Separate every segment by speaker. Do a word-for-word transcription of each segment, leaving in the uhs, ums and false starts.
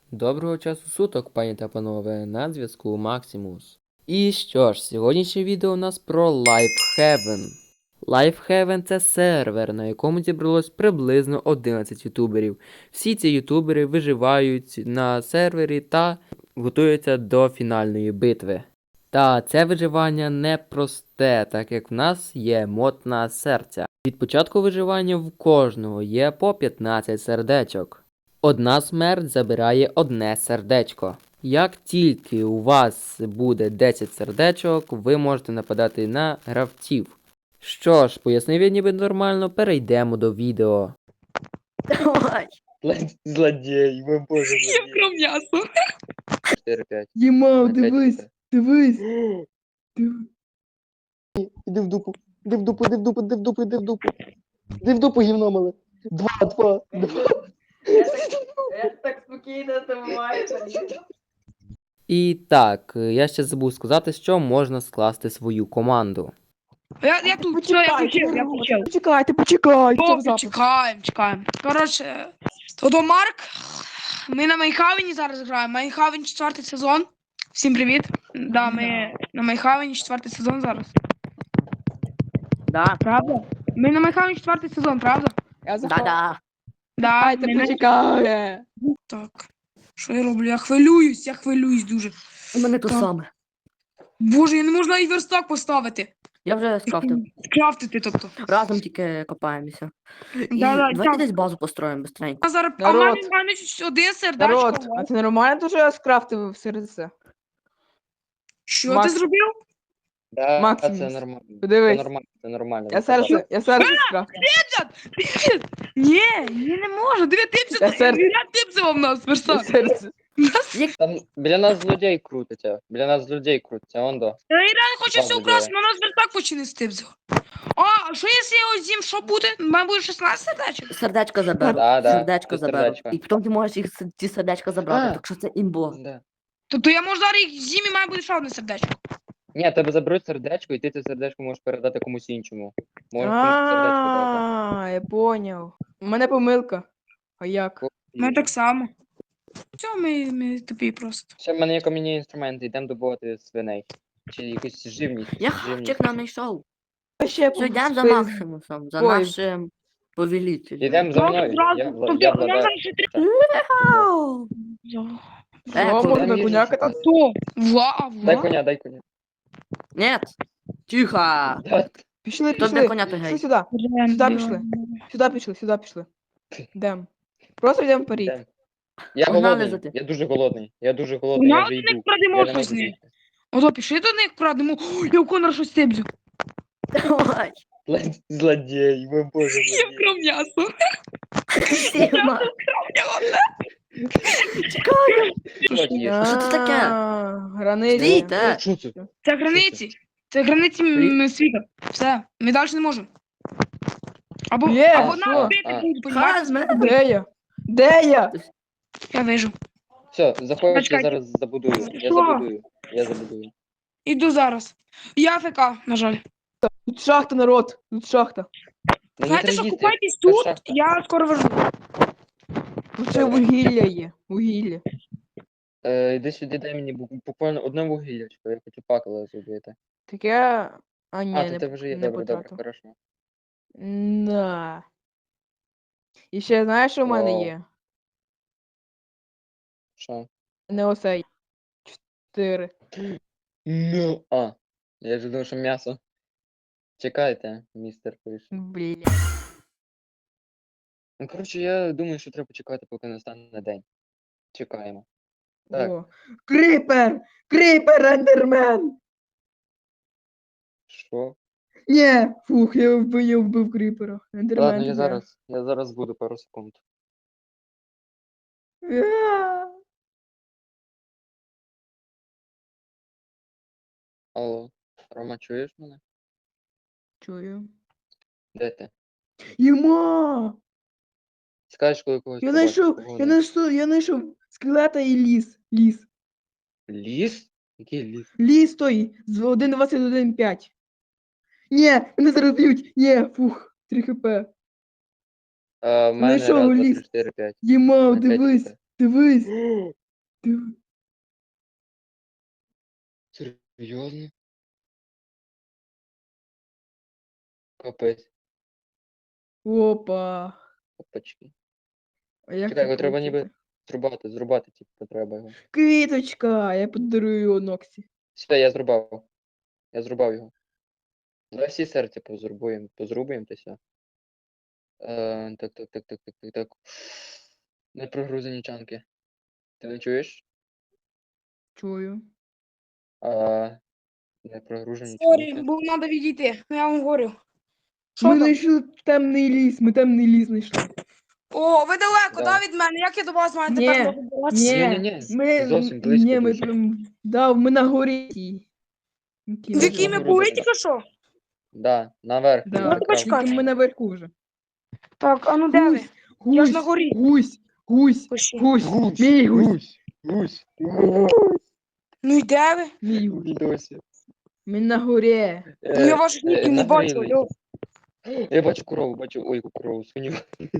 Speaker 1: Доброго часу суток, пані та панове, на зв'язку Максимус. І що ж, сьогоднішнє відео у нас про Lifehaven. Lifehaven – це сервер, на якому зібралось приблизно одинадцять ютуберів. Всі ці ютубери виживають на сервері та готуються до фінальної битви. Та це виживання непросте, так як в нас є мод на серця. Від початку виживання в кожного є по п'ятнадцять сердечок. Одна смерть забирає одне сердечко. Як тільки у вас буде десять сердечок, ви можете нападати на гравців. Що ж, пояснив я ніби нормально, перейдемо до відео.
Speaker 2: Давай.
Speaker 3: Зло- Злодій, ви боже,
Speaker 4: Я
Speaker 3: злодій.
Speaker 4: про м'ясо.
Speaker 3: чотири п'ять.
Speaker 2: Ємав, дивись, дивись. Диви-
Speaker 3: Іди в дупу, іди в дупу, іди в дупу, іди в дупу, іди в дупу. Іди в дупу, гівно мале. Два, два, два.
Speaker 2: Я так спокійно тримаю.
Speaker 1: І так, я ще забув сказати, що можна скласти свою команду.
Speaker 4: Я, я тут, все, я включив, я включив.
Speaker 2: Почекайте, почекайте.
Speaker 4: О, чекаємо, чекаємо. Коротше, то до Марк. Ми на Майнхавені зараз граємо. Майнхавен четвертий сезон. Всім привіт. Да, ми на Майнхавені четвертий сезон зараз.
Speaker 2: Да.
Speaker 4: Правда? Ми на Майнхавені четвертий сезон, правда?
Speaker 5: Я заходжу.
Speaker 2: Да-да.
Speaker 4: Да,
Speaker 5: Дайте
Speaker 4: ми на-
Speaker 5: почекає.
Speaker 4: Так. Що я роблю? Я хвилююсь, я хвилююсь дуже.
Speaker 2: У мене то
Speaker 4: Так.
Speaker 2: саме.
Speaker 4: Боже, я не можу навіть верстак поставити.
Speaker 2: Я вже скрафтив.
Speaker 4: Скрафтити, тобто.
Speaker 2: Разом тільки копаємося. І
Speaker 4: Да-да,
Speaker 2: давайте
Speaker 4: так.
Speaker 2: десь базу построїмо быстренько.
Speaker 4: А зараз а в
Speaker 5: Народ.
Speaker 4: мене в мене один сердечко.
Speaker 5: Народ, а це нормально дуже я скрафтив серце?
Speaker 4: Що
Speaker 5: Макс.
Speaker 4: ти зробив?
Speaker 3: Да,
Speaker 5: Максимус,
Speaker 3: це нормально. Це
Speaker 5: Подивись.
Speaker 3: нормально, це нормально.
Speaker 5: Я серце, я серце скрафтив.
Speaker 4: Ні, ні, не можу. Диви, типси,
Speaker 5: Я серце.
Speaker 4: я типсила в нас,
Speaker 5: Я
Speaker 4: верстак.
Speaker 5: серце.
Speaker 3: Там біля нас злодій крутиться. Біля нас злодій крутиться, он до.
Speaker 4: Я реально хочу все
Speaker 3: Правда,
Speaker 4: украсти, але у нас верстак почне стипсив. А, а що якщо я його з'їм, що буде? У мене буде шістнадцять сердечок.
Speaker 2: Сердечко заберу.
Speaker 3: Да, да,
Speaker 2: Сердечко
Speaker 3: це
Speaker 2: заберу.
Speaker 3: сердечко.
Speaker 2: І потім ти можеш їх с- ці сердечка забрати,
Speaker 3: А.
Speaker 2: так що це імбо.
Speaker 3: Да.
Speaker 4: Тобто я можу зараз їх з'їм і в мене буде ще одне сердечко.
Speaker 3: Ні, тебе заберуть сердечко, і ти це сердечко можеш передати комусь іншому. Можеш комусь сердечко дати.
Speaker 5: А, я поняв. У мене помилка. А як?
Speaker 4: У мене так само. Все, ми, ми тупі просто.
Speaker 3: Ще в мене є кам'яні інструменти, йдемо добувати свиней. Чи якусь живність.
Speaker 2: Я
Speaker 3: живність.
Speaker 2: хавчик нам знайшов.
Speaker 5: А ще
Speaker 2: Все, йдемо за
Speaker 5: спи-
Speaker 2: Максимусом, за
Speaker 5: Ой.
Speaker 2: нашим повелителем.
Speaker 3: Ідемо за мною.
Speaker 4: Зразу,
Speaker 3: Я, вла-
Speaker 4: тобто,
Speaker 3: я
Speaker 4: у нас
Speaker 3: владаю.
Speaker 4: зараз ще три.
Speaker 2: Ау! Е,
Speaker 5: Що,
Speaker 2: то-
Speaker 5: можна
Speaker 3: Дай
Speaker 5: коняка
Speaker 3: мені-
Speaker 5: там?
Speaker 4: Хто? Ва,
Speaker 3: Дай
Speaker 4: ва.
Speaker 3: коня, дай коня.
Speaker 2: Нет. Тихо.
Speaker 5: Пішли,
Speaker 2: Хто
Speaker 5: пішли.
Speaker 2: де коня, той
Speaker 5: Пішли
Speaker 2: гей.
Speaker 5: сюди.
Speaker 4: Блін,
Speaker 5: Сюди
Speaker 4: блін.
Speaker 5: пішли. Сюди пішли, сюди пішли. Йдемо. Просто йдемо вперед.
Speaker 3: Йдемо. Я
Speaker 2: Погнали
Speaker 3: голодний.
Speaker 2: за ти.
Speaker 3: Я дуже голодний. Я дуже голодний, я
Speaker 4: Погнали
Speaker 3: вже
Speaker 4: до них,
Speaker 3: йду.
Speaker 4: крадемо
Speaker 3: Я не
Speaker 4: щось з
Speaker 3: можу
Speaker 4: них.
Speaker 3: бігти.
Speaker 4: Ото пішли до них, крадемо. О, я у Конора щось стебзю.
Speaker 2: Давай.
Speaker 3: Зло- Злодій, ви боже,
Speaker 4: Я
Speaker 3: злодій.
Speaker 4: вкрав м'ясо.
Speaker 2: Сіма.
Speaker 3: Злодій.
Speaker 2: Що це таке?
Speaker 5: А, Границі.
Speaker 2: Стійте.
Speaker 3: Що це?
Speaker 4: Це границі. Це границі м- м- світу. Все, ми далі не можемо. Або,
Speaker 5: Є,
Speaker 4: або
Speaker 5: що?
Speaker 4: нас бити
Speaker 3: А.
Speaker 4: будуть,
Speaker 2: Ха,
Speaker 4: понімаєш?
Speaker 2: з мене.
Speaker 5: Де я? Де я?
Speaker 4: Я вижу.
Speaker 3: Все, заходь, я
Speaker 4: Почекайте.
Speaker 3: зараз забудую. Я
Speaker 4: Що?
Speaker 3: забудую. Я забудую.
Speaker 4: Іду зараз. Я АФК, на жаль.
Speaker 5: Тут шахта, народ. Тут шахта.
Speaker 3: Мені
Speaker 4: Знаєте,
Speaker 3: треба
Speaker 4: що
Speaker 3: їсти.
Speaker 4: купайтесь
Speaker 3: Це
Speaker 4: тут,
Speaker 3: шахта.
Speaker 4: я скоро верну.
Speaker 5: Тут ще вугілля є. Вугілля.
Speaker 3: Е, Іди сюди, дай мені бу- буквально одне вугіллячко, я хочу пакала зробити.
Speaker 5: Таке. А, ні,
Speaker 3: А,
Speaker 5: не,
Speaker 3: то тебе вже є,
Speaker 5: не
Speaker 3: добре, добре,
Speaker 5: потратив.
Speaker 3: хорошо.
Speaker 5: Да. І ще знаєш, що в мене
Speaker 3: Вау.
Speaker 5: є?
Speaker 3: Що?
Speaker 5: Не оцей. Чотири.
Speaker 3: Ну, а, я вже думав, що м'ясо. Чекайте, містер пише.
Speaker 5: Бля.
Speaker 3: Ну, коротше, я думаю, що треба почекати, поки настане день. Чекаємо. Так.
Speaker 5: О. Кріпер! Кріпер, ендермен!
Speaker 3: Що?
Speaker 5: Ні, фух, я вбив, я вбив кріпера. Ендермен.
Speaker 3: Ладно, я
Speaker 5: тебе.
Speaker 3: зараз, я зараз буду пару секунд.
Speaker 5: А.
Speaker 3: Алло, Рома, чуєш мене?
Speaker 5: Чую.
Speaker 3: Де ти?
Speaker 5: Йома!
Speaker 3: Скажеш, коли когось
Speaker 5: Я
Speaker 3: побачиш,
Speaker 5: знайшов,
Speaker 3: кого
Speaker 5: я
Speaker 3: не-
Speaker 5: знайшов, я знайшов скелета і ліс. Ліс.
Speaker 3: Ліс? Який ліс?
Speaker 5: Ліс той з один двадцять один п'ять. Ні, мене зараз б'ють. Ні, фух, три хп.
Speaker 3: А, в мене
Speaker 5: Знайшов
Speaker 3: раз, два,
Speaker 5: ліс.
Speaker 3: три, чотири, п'ять.
Speaker 5: Ємав,
Speaker 3: На п'ять
Speaker 5: дивись,
Speaker 3: хп.
Speaker 5: дивись. Ти-
Speaker 3: Серйозно? Капець.
Speaker 5: Опа.
Speaker 3: Опачки.
Speaker 5: А як
Speaker 3: Чекай,
Speaker 5: це
Speaker 3: його треба
Speaker 5: крутити?
Speaker 3: ніби зрубати, зрубати, типу, треба його.
Speaker 5: Квіточка, я подарую його Ноксі.
Speaker 3: Все, я зрубав. Я зрубав його. Давай всі серця позрубуємо, позрубуємо та все. Е, так, так, так, так, так, так, так. Не прогрузені чанки. Ти не чуєш?
Speaker 5: Чую.
Speaker 3: А, не прогружені
Speaker 4: Сорі,
Speaker 3: чанки.
Speaker 4: бо треба відійти. Ну, я вам говорю. Що
Speaker 5: Ми
Speaker 4: там?
Speaker 5: знайшли темний ліс, ми темний ліс знайшли.
Speaker 4: О, ви далеко,
Speaker 3: Да.
Speaker 4: да, від мене? Як я до вас маю
Speaker 5: Ні,
Speaker 4: тепер добиратися?
Speaker 5: Ні,
Speaker 3: Ні-ні-ні,
Speaker 5: ми,
Speaker 3: зовсім близько
Speaker 5: ні, ми
Speaker 3: дуже.
Speaker 5: прям, да, ми на горі. тій. Тій,
Speaker 4: В
Speaker 5: на
Speaker 4: якій
Speaker 5: горі.
Speaker 4: ми
Speaker 3: Нагору
Speaker 4: були
Speaker 3: дивись.
Speaker 4: тільки що?
Speaker 3: Да, наверх.
Speaker 5: Да,
Speaker 3: наверх,
Speaker 4: почекай.
Speaker 3: правда.
Speaker 5: тільки ми наверху вже.
Speaker 4: Так, а ну де ви?
Speaker 5: Гусь,
Speaker 4: Я ж на
Speaker 5: гусь,
Speaker 4: горі.
Speaker 5: гусь, гусь,
Speaker 4: Пиши.
Speaker 5: гусь,
Speaker 3: Гусь,
Speaker 5: мій гусь,
Speaker 3: гусь, гусь.
Speaker 4: Ну і де ви?
Speaker 5: мій гусь.
Speaker 3: Відосі.
Speaker 5: Ми на горі.
Speaker 4: Ну я ваших
Speaker 3: Е,
Speaker 4: ніків не бачу,
Speaker 3: нагрілись.
Speaker 4: алло.
Speaker 3: Я бачу корову, бачу, ой, корову, свиню.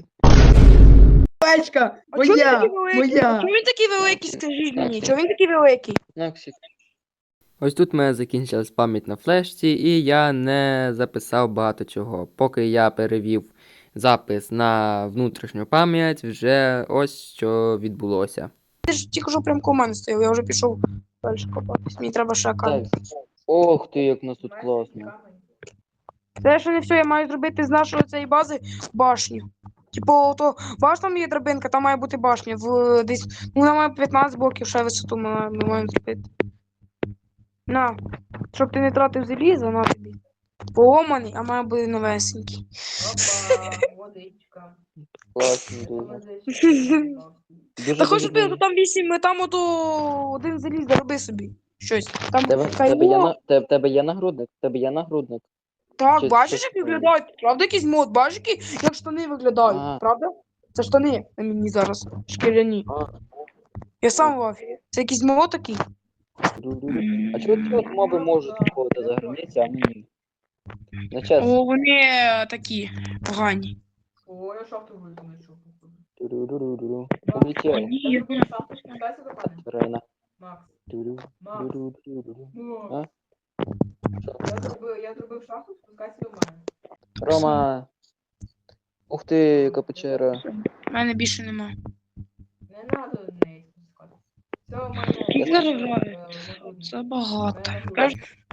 Speaker 5: Печка,
Speaker 4: А чого він
Speaker 5: моя,
Speaker 4: такий великий? А
Speaker 5: моя.
Speaker 4: чого він такий великий, скажіть мені?
Speaker 3: Так.
Speaker 4: Чого він такий великий?
Speaker 3: Наксік.
Speaker 1: Ось тут в мене закінчилась пам'ять на флешці, і я не записав багато чого. Поки я перевів запис на внутрішню пам'ять, вже ось що відбулося.
Speaker 4: Ти ж тільки що прям коло мене стояв, я вже пішов далі копатись. Мені треба ще
Speaker 3: Так.
Speaker 4: камінь.
Speaker 3: Ох ти, як у нас тут класно.
Speaker 4: Це ще не все, я маю зробити з нашої цієї бази башню. Типу, то баш там є драбинка, там має бути башня. В десь, ну, вона має п'ятнадцять блоків ще висоту ми, ми маємо зробити. На, щоб ти не тратив залізо, на тобі. Поломаний, а має бути новесенький.
Speaker 5: Опа, водичка.
Speaker 3: Класно дуже. Дуже
Speaker 4: Та хоч
Speaker 3: дуже
Speaker 4: ти,
Speaker 3: дуже.
Speaker 4: там вісім, ми там ото один заліз, зароби собі. Щось. Там
Speaker 3: Тебе,
Speaker 4: хай
Speaker 3: тебе, є
Speaker 4: мод.
Speaker 3: на, тебе, тебе є нагрудник? Тебе є нагрудник?
Speaker 4: Так,
Speaker 3: чи
Speaker 4: бачиш,
Speaker 3: щось
Speaker 4: як
Speaker 3: таке?
Speaker 4: виглядають? Правда, якийсь мод, бачиш, які, як штани виглядають,
Speaker 3: А.
Speaker 4: правда? Це штани на мені зараз, шкіряні.
Speaker 3: А,
Speaker 4: Я сам в афі. Це якийсь мод такий.
Speaker 3: ду-ду-ду. А чого ці от моби можуть виходити за границі, а ми ні? Не чесно.
Speaker 4: О, вони е, такі погані.
Speaker 5: О, я шахту знайшов, походу.
Speaker 3: Ду-ду-ду-ду-ду.
Speaker 4: О,
Speaker 3: Облетіли.
Speaker 4: ні, я не-
Speaker 5: Шахту спускайся до мене.
Speaker 3: Рейна.
Speaker 5: Макс,
Speaker 3: Ду-ду-ду-ду-ду.
Speaker 5: ну,
Speaker 3: А? Що?
Speaker 5: я зробив, я зробив шахту, спускайся до мене.
Speaker 3: Рома. Ух ти, яка печера.
Speaker 4: У мене більше нема.
Speaker 5: Не треба до неї спускати. Все, в мене...
Speaker 4: Скільки
Speaker 5: е,
Speaker 4: заробляє?
Speaker 5: нагрудник.
Speaker 4: Це багато.
Speaker 5: В мене
Speaker 4: Кажеш,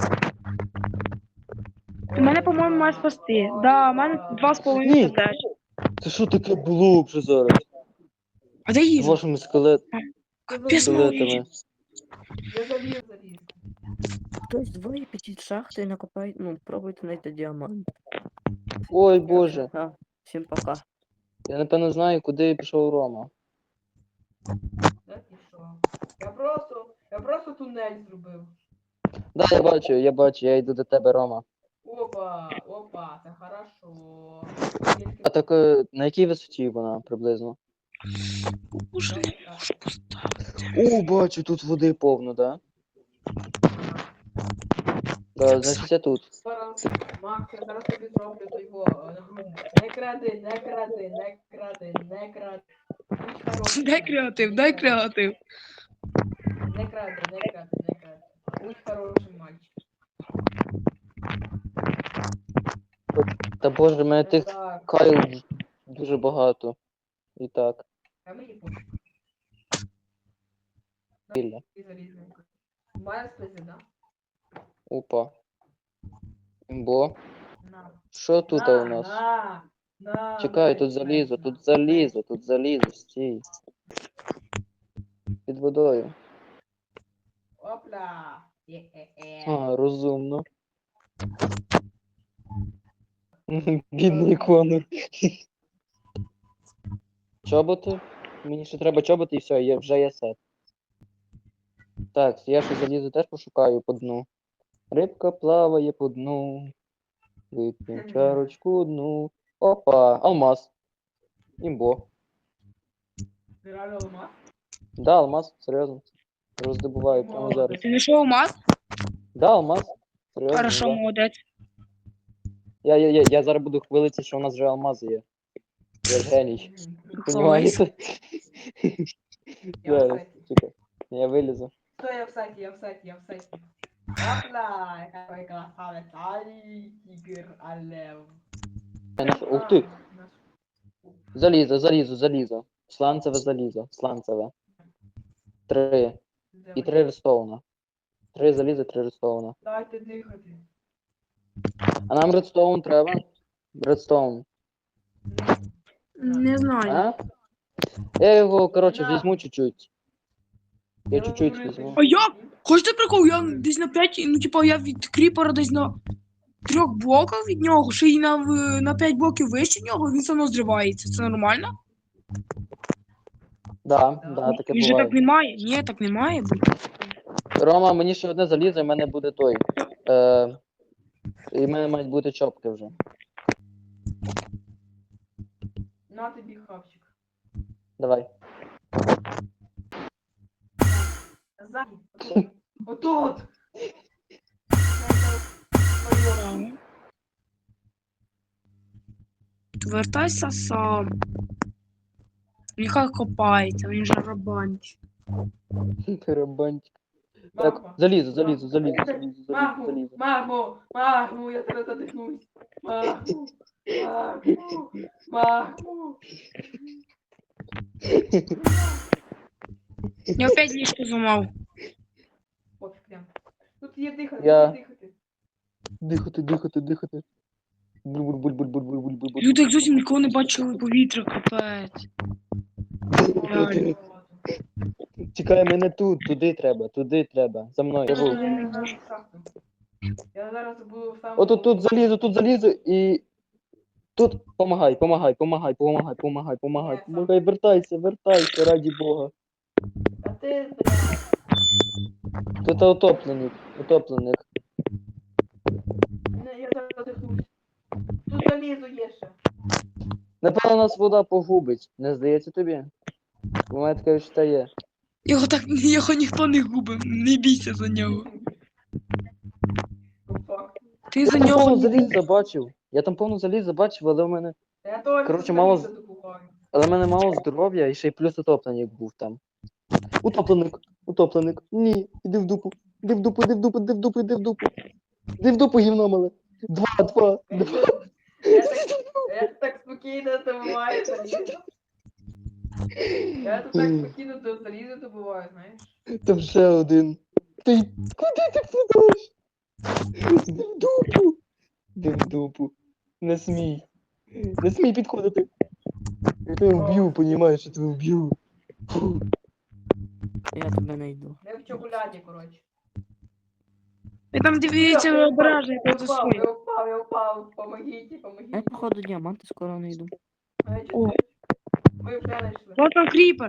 Speaker 5: нагрудник.
Speaker 4: мене, по-моєму, має спасти. Да, у мене два з половиною
Speaker 3: Ні.
Speaker 4: сердечка.
Speaker 3: Це що таке було вже зараз?
Speaker 4: А де
Speaker 3: З
Speaker 4: їжа?
Speaker 3: вашими скелет...
Speaker 4: Капець мало їжі.
Speaker 3: скелетами.
Speaker 5: Я заліз, заліз.
Speaker 2: Хтось двоє підіть в шахту і накопайте, ну, пробуйте знайти діамант.
Speaker 3: Ой, боже.
Speaker 2: А, всім пока.
Speaker 3: Я напевно знаю, куди пішов Рома.
Speaker 5: Де пішов? Я просто, я просто тунель зробив.
Speaker 3: Да, я бачу, я бачу, я йду до тебе, Рома.
Speaker 5: Опа, опа, це хорошо. Тільки-
Speaker 3: А так е, на якій висоті вона приблизно?
Speaker 4: Боже, не можу поставити.
Speaker 3: О, бачу, тут води повно, да? Да, значить я тут.
Speaker 5: Зараз, Макс, я зараз тобі зроблю той його е, нагрудник. Не кради, не кради, не кради, не кради. Будь хороший
Speaker 4: Дай
Speaker 5: мальчик,
Speaker 4: креатив,
Speaker 5: не
Speaker 4: дай
Speaker 5: кради.
Speaker 4: креатив.
Speaker 5: Не кради, не кради, не кради. Будь хорошим мальчиком.
Speaker 3: Та боже, мене тих
Speaker 5: Так,
Speaker 3: кайл дуже багато. І так.
Speaker 5: а мені пофіг.
Speaker 3: Вільно.
Speaker 5: Ти залізний. Має слизи, да?
Speaker 3: Опа. Імбо.
Speaker 5: На.
Speaker 3: Що тут
Speaker 5: на,
Speaker 3: у нас?
Speaker 5: На, на,
Speaker 3: Чекай,
Speaker 5: на,
Speaker 3: тут залізо, тут залізо, тут залізо, стій. Під водою.
Speaker 5: Опля. Е-е-е.
Speaker 3: А, розумно. Бідний Конор. Чоботи? Мені ще треба чоботи і все, є, вже є сет. Так, я ще залізу теж пошукаю по дну. Рибка плаває по дну. Вип'ємо чарочку одну. Опа, алмаз. Імбо.
Speaker 5: Ти реально алмаз?
Speaker 3: Да, алмаз, серйозно. Роздобуваю прямо зараз.
Speaker 4: Ти знайшов мат?
Speaker 3: Да, алмаз. Серйозно.
Speaker 4: Хорошо,
Speaker 3: Да.
Speaker 4: молодець.
Speaker 3: Я, я, я, я зараз буду хвилитися, що у нас вже алмази є. Я ж геній.
Speaker 5: Мгм.
Speaker 3: Понімаєте?
Speaker 5: Я
Speaker 3: Зараз,
Speaker 5: третій.
Speaker 3: чекай. Я вилізу.
Speaker 5: Что я в сайте, я в сайте, я в сайте. Опля, какой красавец. Ай, тигр, алев.
Speaker 3: Ух ти! Залізо, залізо, залізо. Сланцеве залізо. Сланцеве. Три. І три редстоуна. Три заліза, три редстоуна.
Speaker 5: Дайте дихати.
Speaker 3: А нам редстоун треба? Редстоун.
Speaker 4: Не знаю.
Speaker 3: А? Я його, коротше,
Speaker 5: На.
Speaker 3: візьму чуть-чуть. Я
Speaker 5: Я
Speaker 3: чуть-чуть
Speaker 5: говорю,
Speaker 3: візьму.
Speaker 4: А як? Хочете прикол? Я десь на п'ять, ну типа я від кріпера десь на трьох блоках від нього, ще й на, в- на п'ять блоків вище нього, він все одно зривається. Це нормально?
Speaker 3: Да, да, таке
Speaker 4: Він же так
Speaker 3: буває.
Speaker 4: не має. Ні, так не має бути.
Speaker 3: Рома, мені ще одне залізо, і в мене буде той. Е, і в мене мають бути чопки вже.
Speaker 5: На тобі хавчик.
Speaker 3: Давай.
Speaker 5: Ззаді. Отут.
Speaker 4: Вертайся сам. Нехай копається, він же рабанч.
Speaker 3: Тарабанчик. Так, залізо, залізо, залізо, залізо, залізо,
Speaker 5: Маму,
Speaker 3: залізо.
Speaker 5: маму, маму, я зараз задихнусь. Маму, маму, маму.
Speaker 4: Я опять ліжко зламав.
Speaker 5: Пофіг прям. Тут є дихати,
Speaker 3: Я-
Speaker 5: тут є дихати.
Speaker 3: Дихати, дихати, дихати. Буль-буль-буль-буль-буль-буль-буль-буль.
Speaker 4: Люди як зовсім ніколи не бачили повітря, капець. Реально.
Speaker 3: Чекай, мене тут, туди треба, туди треба. За мною. Я був.
Speaker 5: Я зараз в шахту. Я зараз буду в самому...
Speaker 3: Отут тут залізу, тут залізу і. Тут помагай, помагай, помагай, помагай, помагай, помагай, помагай, вертайся, вертайся, раді Бога.
Speaker 5: А ти, блядь,
Speaker 3: Тут утопленик, утопленик.
Speaker 5: не, я зараз задихнусь. Тут залізу є ще.
Speaker 3: Напевно, нас вода погубить. Не здається тобі? У мене таке відчуття є.
Speaker 4: Його так його ніхто не губив, не бійся за нього.
Speaker 5: По факту.
Speaker 4: Ти за
Speaker 3: Я там
Speaker 4: нього
Speaker 3: повну
Speaker 4: не
Speaker 3: заліз забачив. Я там повну заліз забачив, але в мене.
Speaker 5: Та я теж
Speaker 3: Коротше,
Speaker 5: тут
Speaker 3: мало
Speaker 5: залізо добуваю.
Speaker 3: Але в мене мало здоров'я і ще й плюс утопленик був там. Утопленик, утопленик. Ні, іди в дупу. Іди в дупу, іди в дупу, іди в дупу, іди в дупу. Іди в дупу, гівно мале. Два, два, два.
Speaker 5: Я так, я так спокійно добуваю залізо. Я тут так спокійно до залізо добуваю, знаєш.
Speaker 3: Там ще один. Ти куди ти підеш? Іди в дупу. Іди в дупу. Не смій. Не смій підходити. Я тебе вб'ю, понімаєш, я тебе вб'ю. Фу.
Speaker 2: Я тебе знайду.
Speaker 5: Не в чоколяді, коротше.
Speaker 4: Ви там дивіться
Speaker 5: Я
Speaker 4: ображення,
Speaker 5: Я
Speaker 4: я за
Speaker 5: впав,
Speaker 4: своє.
Speaker 5: я впав, я впав. Помогіть,
Speaker 2: Я,
Speaker 5: помогіть.
Speaker 2: походу, діаманти скоро знайду.
Speaker 4: О.
Speaker 5: Ви вже знайшли.
Speaker 4: Вот там кріпер.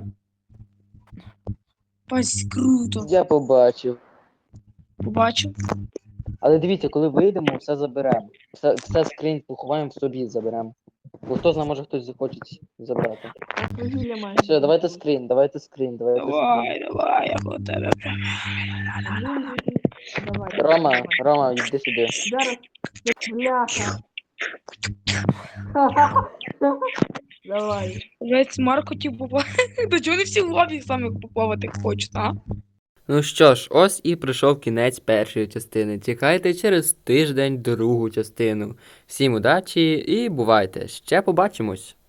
Speaker 4: Пасть круто.
Speaker 3: Я побачив.
Speaker 4: Побачив.
Speaker 3: Але дивіться, коли вийдемо, все заберемо. Все, все скринь поховаємо в собі, заберемо. Бо хто знає, може хтось захоче забрати.
Speaker 2: Я вугілля маю.
Speaker 3: Все, давайте скрін, давайте скрін, давайте скрін.
Speaker 4: Давай, давай, я по тебе.
Speaker 2: Давай.
Speaker 3: Рома,
Speaker 2: давай.
Speaker 3: Рома, йди сюди.
Speaker 2: Зараз. Бляха. Давай.
Speaker 4: Весь Марко хотів поплавати. До чого не всі в лобі саме поплавати хочуть, а?
Speaker 1: Ну що ж, ось і прийшов кінець першої частини. Чекайте через тиждень другу частину. Всім удачі і бувайте! Ще побачимось!